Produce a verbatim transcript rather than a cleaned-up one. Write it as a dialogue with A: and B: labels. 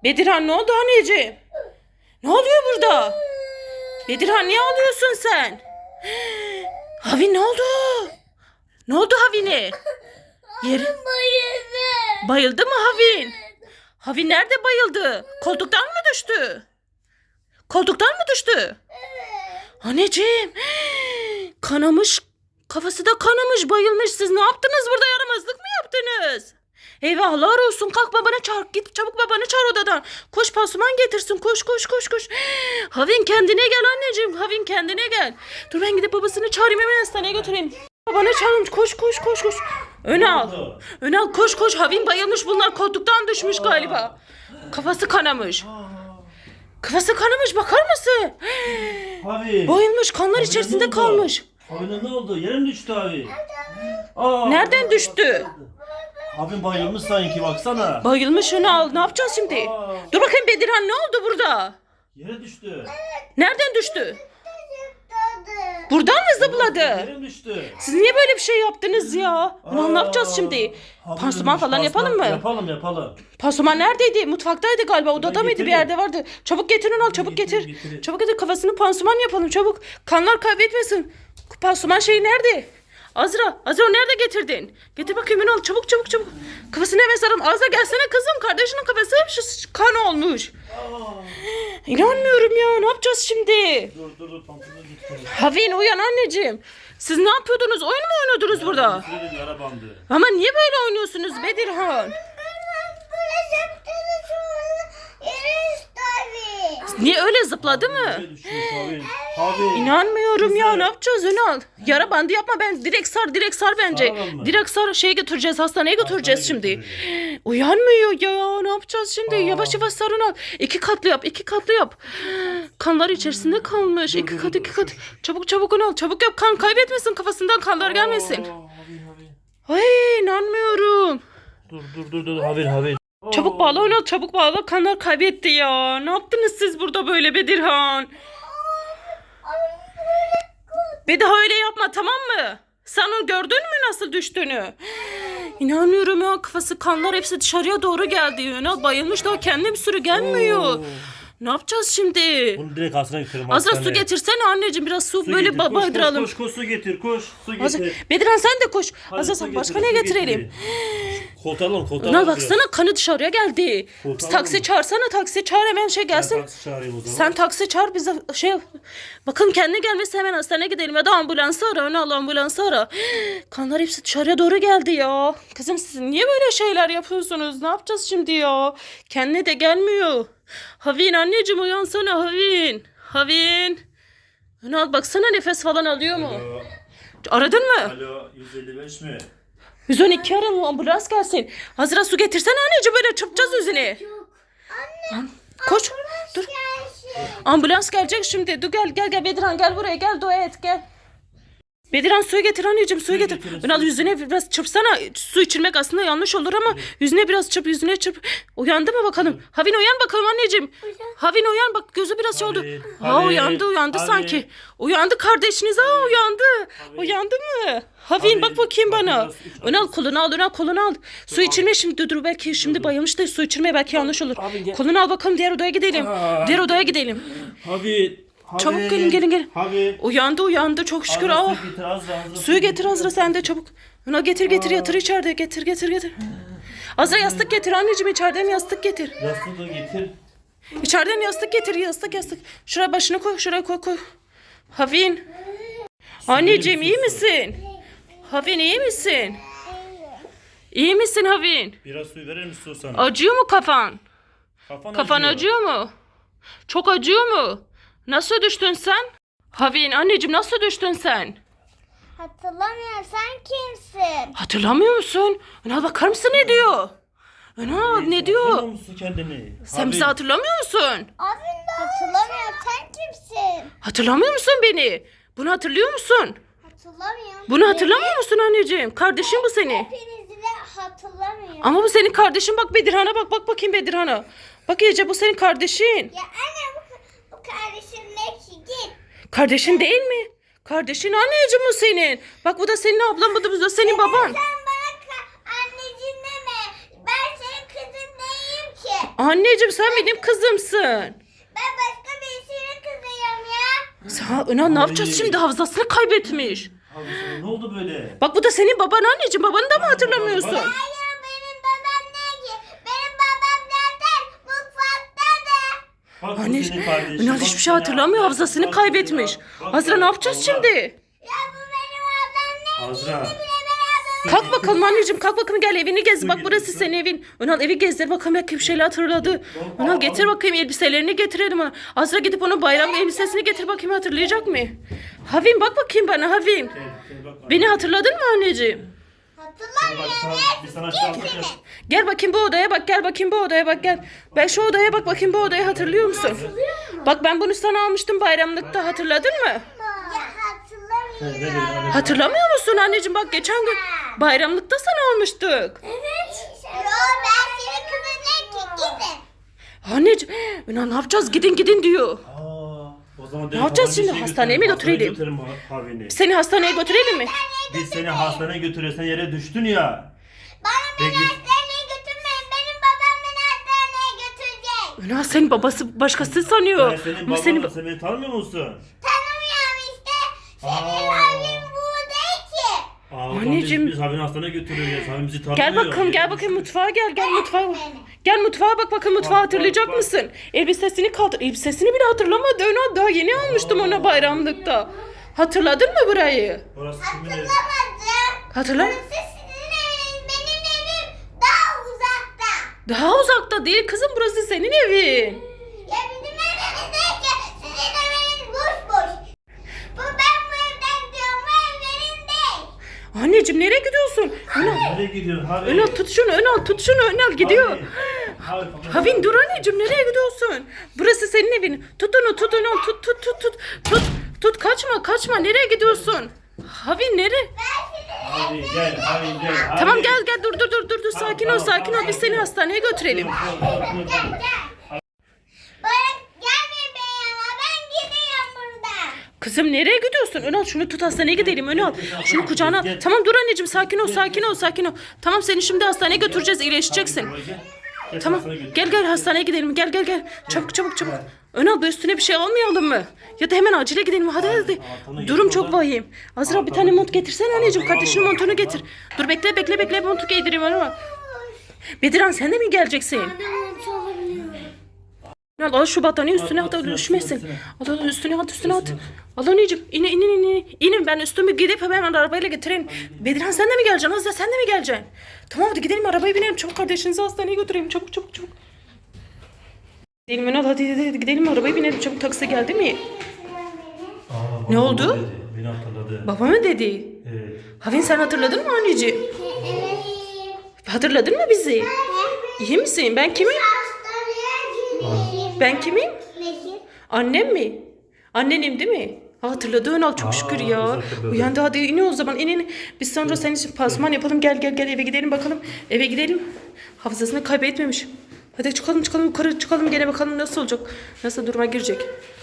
A: Bedirhan ne oldu anneciğim? Ne oluyor burada? Bedirhan niye ağlıyorsun sen? Havin ne oldu? Ne oldu Havin'e? Yer... Bayıldı mı Havin? Havin nerede bayıldı? Koltuktan mı düştü? Koltuktan mı düştü? Anneciğim. Kanamış. Kafası da kanamış, bayılmış. Siz ne yaptınız burada? Yaramazlık mı yaptınız? Eyvahlar olsun. Kalk babanı çağır. Git çabuk babanı çağır odadan. Koş pansuman getirsin. Koş koş koş koş. Havin kendine gel anneciğim. Havin kendine gel. Dur ben gidip babasını çağırayım, hemen hastaneye götüreyim. Babanı çağırın. Koş koş koş koş. Önal. Önal koş koş. Havin bayılmış. Bunlar koltuktan düşmüş galiba. Kafası kanamış. Kafası kanamış, bakar mısın?
B: Abi.
A: Bayılmış, kanlar
B: Abi,
A: içerisinde
B: ne
A: kalmış.
B: Abi ne oldu? Yere mi düştü abi? Aa,
A: Nereden düştü?
B: Abim bayılmış sanki, baksana.
A: Bayılmış Önal. Ne yapacağız şimdi?
B: Aa.
A: Dur bakayım Bedirhan, ne oldu burada?
B: Yere düştü.
A: Nereden düştü? Buradan mı zıpladı?
B: Yere mi düştü?
A: Siz niye böyle bir şey yaptınız ya? Önal ne
B: Aa.
A: yapacağız şimdi?
B: Abi,
A: Pansuman falan
B: pansuman
A: yapalım mı?
B: Yapalım yapalım.
A: Pansuman neredeydi? Mutfaktaydı galiba. Odada mıydı? Bir
B: getireyim.
A: yerde vardı. Çabuk getir Önal, çabuk
B: Getir,
A: getir.
B: getir.
A: Çabuk getir, kafasını pansuman yapalım çabuk. Kanlar kaybetmesin. Pansuman şeyi nerede? Azra, Azra o nerede getirdin? Getir bakayım Önal, çabuk çabuk çabuk. Kafasını hemen saralım. Azra gelsene kızım. Kardeşinin kafası hep şu kan olmuş.
B: Aa.
A: İnanmıyorum ya. Ne yapacağız şimdi?
B: Dur dur dur, pantolonu getir.
A: Havin uyan anneciğim. Siz ne yapıyordunuz? Oyun mu oynuyordunuz burada?
B: Şöyle bir yara bandı.
A: Ama niye böyle oynuyorsunuz Bedirhan? Niye öyle zıpladı mı?
B: Yere düşmüş abi. Abi.
A: İnanmıyorum ya.
B: Güzel.
A: Ne yapacağız Önal? Yara bandı yapma, ben direkt sar direkt sar bence.
B: Saralım mı?
A: Direkt sar, şeye götüreceğiz, hastaneye götüreceğiz
B: Hastaneye
A: şimdi. Uyanmıyor ya. Ne yapacağız şimdi?
B: Aa.
A: Yavaş yavaş sar Önal. İki katlı yap, iki katlı yap. Kanlar içerisinde kalmış.
B: Dur,
A: iki
B: dur,
A: kat
B: dur,
A: iki
B: dur.
A: kat. Çabuk çabuk Önal. Çabuk yap, kan kaybetmesin, kafasından kanlar gelmesin.
B: Aa, Abi abi.
A: Ay inanmıyorum.
B: Dur dur dur dur, Havin Havin.
A: Çabuk bağla Önal, çabuk bağla. Kanlar kaybetti ya. Ne yaptınız siz burada böyle Bedirhan? Bir daha öyle yapma, tamam mı? Sen onu gördün mü nasıl düştüğünü? İnanmıyorum ya, kafası kanlar hepsi dışarıya doğru geldi. Önal bayılmış, daha kendine bir sürü gelmiyor.
B: Oo.
A: Ne yapacağız şimdi?
B: Bunu direkt hastaneye götürelim.
A: Azra su
B: hastaneye.
A: getirsene anneciğim, biraz su,
B: Su
A: böyle
B: getir, koş,
A: baydıralım.
B: Koş, koş koş su getir, koş su
A: Azra,
B: getir.
A: Bedirhan sen de koş.
B: Hadi
A: Azra
B: su
A: sen
B: getir,
A: başka
B: su
A: ne
B: getir.
A: getirelim?
B: Koltuğalım koltuğalım.
A: Önal baksana, kanı dışarıya geldi.
B: Kurtaralım
A: Biz taksi
B: mı?
A: çağırsana, taksi çağır hemen şey gelsin.
B: Taksi çağırayım o zaman.
A: Sen taksi çağır, bize şey bakın kendine gelmesi, hemen hastaneye gidelim ya da ambulansı ara. Önal ambulansı ara. Kanlar hepsi dışarıya doğru geldi ya. Kızım siz niye böyle şeyler yapıyorsunuz? Ne yapacağız şimdi ya? Kendine de gelmiyor. Havin anneciğim uyansana Havin. Havin. Önal baksana, nefes falan alıyor mu?
B: Alo,
A: Aradın mı?
B: alo yüz elli beş mi?
A: yüz on iki aralım, ambulans gelsin. Hazıra su getirsene anneciğim, böyle çırpacağız yüzüne. Anne. Koş. Dur. Ambulans gelecek şimdi. Dur gel gel gel Bedirhan, gel buraya, gel dua et gel. Bedirhan suyu getir anneciğim, suyu
B: Suyu
A: getir.
B: getirin,
A: Önal
B: suyu.
A: yüzüne biraz çırpsana. Su içirmek aslında yanlış olur ama yüzüne biraz çırp, yüzüne çırp. Uyandı mı bakalım? Havin uyan bakalım anneciğim. Havin uyan bak, gözü biraz şey oldu.
B: Havin,
A: Ha
B: Havin,
A: uyandı uyandı
B: Havin.
A: sanki. Uyandı kardeşiniz, ha uyandı.
B: Havin.
A: Uyandı mı? Havin
B: Havin,
A: bak bakayım
B: bak
A: bana.
B: biraz iç bak.
A: Önal kolunu al, Önal kolunu al. Su içirme şimdi, dur dur, belki şimdi bayılmış da su içirme belki yanlış olur.
B: Havin, gel.
A: Kolunu al bakalım, diğer odaya gidelim.
B: Aa.
A: Diğer odaya gidelim.
B: Havin. Havin.
A: Çabuk gelin, gelin, gelin.
B: Havin.
A: Uyandı uyandı çok şükür.
B: Azra,
A: Aa.
B: su getir, Azra, Azra, su
A: Suyu getir Azra, sen de çabuk. Önal getir getir, yatır içeride, getir getir getir. Azra yastık getir anneciğim, içeriden yastık getir.
B: Yastığı da getir.
A: İçeriden yastık getir, yastık yastık. Şuraya başını koy, şuraya koy koy. Havin. Anneciğim iyi misin? Havin iyi misin? İyi misin Havin?
B: Biraz suyu verir misin su sana?
A: Acıyor mu kafan?
B: Kafan,
A: Kafan acıyor mu? Çok acıyor mu? Nasıl düştün sen? Havin anneciğim, nasıl düştün sen?
C: Hatırlamıyorum, sen kimsin?
A: Hatırlamıyor musun? Önal bakar mısın ne diyor? Önal ne diyor?
B: Hatırlamıyor musun kendini?
A: Sen bizi hatırlamıyor musun?
C: Abi hatırlamıyorum, sen kimsin?
A: Hatırlamıyor musun beni? Bunu hatırlıyor musun?
C: Hatırlamıyorum.
A: Bunu hatırlamıyor musun anneciğim? Kardeşin bu senin.
C: Hepinizi de hatırlamıyorum.
A: Ama bu senin kardeşin, bak Bedirhan'a bak, bak bakayım Bedirhan'a. Bak iyice, bu senin kardeşin.
C: Ya anne, bu, bu kardeşim ne ki, git.
A: Kardeşin değil mi? Kardeşin anneciğim bu senin. Bak bu da senin ablan, bu da, bu da senin baban.
C: Sen bana ka- anneciğim deme. Ben senin kızın değilim ki.
A: Anneciğim sen benim kızımsın.
C: Ben başka birisinin kızıyım ya.
A: Sen Önal ne yapacağız
B: Ay.
A: şimdi? Hafızasını kaybetmiş.
B: Abi sana ne oldu böyle?
A: Bak bu da senin baban anneciğim. Babanı da mı hatırlamıyorsun?
C: Hayır benim babam ne ki? Benim babam zaten mutfaktadır.
B: Bak bu
A: Anneciğim
B: senin kardeşin,
A: Önal
B: bak
A: hiçbir şey
B: seni
A: hatırlamıyor.
B: affettim,
A: Hafızasını
B: bak
A: kaybetmiş.
B: seni- bak
A: Azra
B: ya,
A: ne yapacağız
B: Allah.
A: şimdi?
C: Ya bu benim ablam ne?
B: Azra.
A: Kalk bakalım anneciğim, kalk bakalım, gel evini gez.
B: Su
A: Bak
B: getir,
A: burası
B: su.
A: senin evin. Önal evi gezdir bakalım, belki bir şeyler hatırladı. Önal getir bakayım elbiselerini getirelim ona. Azra gidip onun bayram elbisesini getir bakayım, hatırlayacak mı? Havim bak bakayım bana Havim.
B: Gel, gel bak.
A: Beni hatırladın mı anneciğim?
B: Bak
C: Hatırlamıyorum
B: sana,
C: ya.
B: biz sana şey aldık ya.
A: Gel bakayım bu odaya bak, gel bakayım bu odaya bak, gel. Ben şu odaya bak bakayım, bu odayı hatırlıyor musun? Bak ben bunu sana almıştım bayramlıkta, hatırladın mı?
C: Ya hatırlamıyorum.
B: Ne dedi, hadi.
A: Hatırlamıyor musun anneciğim? Bak geçen gün bayramlıkta sana almıştık.
C: Evet. Yo ben senin kızın ne ki? Gidin.
A: Anneciğim, Önal ne yapacağız? Gidin gidin diyor.
B: Aa, o zaman
A: Ne yapacağız şimdi? Hastaneye mi götürelim?
B: Götürelim Havin'i.
A: Seni hastaneye götürelim mi?
B: Biz seni hastaneye götürüyoruz. Sen yere düştün ya.
C: Bana beni
B: Peki.
C: hastaneye götürmeyin. Benim babam beni hastaneye götürecek.
A: Önal senin babası başkası sanıyor.
B: Ben senin
A: Ama
B: babanla
A: senin...
B: sen beni tanımıyor musun?
C: Tanımıyorum işte. Senin
B: Aa.
C: abin bu değil ki.
B: Aa, o zaman
A: Anneciğim.
B: Biz, biz Havin'i hastaneye götürüyoruz. Havin bizi tanımıyor.
A: Gel bakalım,
B: Yere
A: gel bakayım
B: düştü.
A: mutfağa gel, gel mutfağa. Gel mutfağa bak bakın, mutfağı
B: Bak,
A: hatırlayacak
B: bak, bak.
A: mısın? Elbisesini kaldır. Elbisesini bile hatırlamadı Önal. Daha yeni almıştım ona bayramlıkta. Hatırladın mı burayı?
B: Orası kimin evi?
C: Hatırlamadım.
A: Hatırla.
C: Burası sizin eviniz. Benim evim daha uzakta.
A: Daha uzakta değil kızım, burası senin evin.
C: Ya bizim evimiz değil ki. Sizin eviniz boş boş. Bu ben bu evden diyorum. Bu ev benim değil.
A: Anneciğim nereye gidiyorsun? Önal,
B: Nereye gidiyorsun Havin?
A: Önal tut şunu, Önal tut şunu, Önal gidiyor.
B: Havin. Havin.
A: Havin dur anneciğim, nereye gidiyorsun? Burası senin evin. Tut onu, tut onu, tut tut tut tut. Tut tut, kaçma kaçma, nereye gidiyorsun? Havin nereye?
B: Havin gel, Havin gel. Havin.
A: Tamam gel gel, dur dur dur dur dur,
B: Tamam,
A: sakin ol
B: tamam,
A: sakin ol,
B: tamam,
A: biz seni
B: tamam.
A: hastaneye götürelim.
B: Dur, dur, dur, dur.
C: Gel gel. Bana gelmeyin be ama ben gidiyorum buradan.
A: Kızım nereye gidiyorsun? Önal şunu tut, hastaneye gidelim Önal. Şunu kucağına al.
B: Gel.
A: Tamam dur anneciğim, sakin ol sakin ol sakin ol. Tamam seni şimdi hastaneye götüreceğiz, iyileşeceksin.
B: Havin, gel. Gel,
A: Tamam
B: hastaneye götür.
A: gel gel hastaneye gidelim, gel gel gel. Çabuk çabuk çabuk. Önal bu üstüne bir şey almayalım mı? Ya da hemen acile gidelim, hadi hadi.
B: Anahtarını
A: Durum
B: getir
A: çok
B: oradan.
A: vahim. Azra bir
B: Anahtarını
A: tane mont
B: getir.
A: getirsene anneciğim,
B: Anahtarını
A: kardeşinin
B: al
A: montunu
B: oradan.
A: getir. Dur bekle bekle bekle, montu giydireyim ona. Bediran sen de mi geleceksin? Al al şu battaniye üstüne
B: Al,
A: at,
B: al,
A: al
B: üstüne,
A: üşümesin.
B: üstüne.
A: Al al üstüne at, üstüne at.
B: Üstüne.
A: Al anneciğim, inin inin inin. İnin, ben üstümü gidip hemen arabayla getireyim. Bediran sen de mi geleceksin? Azra sen de mi geleceksin? Tamam hadi gidelim, arabaya binelim. Çabuk kardeşinizi hastaneye götürelim. Çabuk çabuk çabuk. Gidelim Önal, hadi, hadi hadi gidelim, arabaya binelim. Çabuk, taksi geldi mi?
B: Aa,
A: Ne
B: baba
A: oldu?
B: dedi, beni hatırladı.
A: Baba mı dedi?
B: Evet.
A: Havin sen hatırladın mı anneciğim?
C: Evet.
A: Hatırladın mı bizi? İyi misin? Ben kimim?
C: Hastaneye gideyim.
A: Ben kimim?
C: Nesin?
A: Annem mi? Annenim değil mi? Ha, hatırladı Önal, çok
B: Aa,
A: şükür
B: biz
A: ya.
B: hatırladık.
A: Uyandı, hadi in o zaman, in in. Biz sonra senin için pansuman yapalım, gel gel gel eve gidelim bakalım. Eve gidelim. Hafızasını kaybetmemiş. Hadi çıkalım çıkalım yukarı çıkalım, gene bakalım nasıl olacak. Nasıl duruma girecek.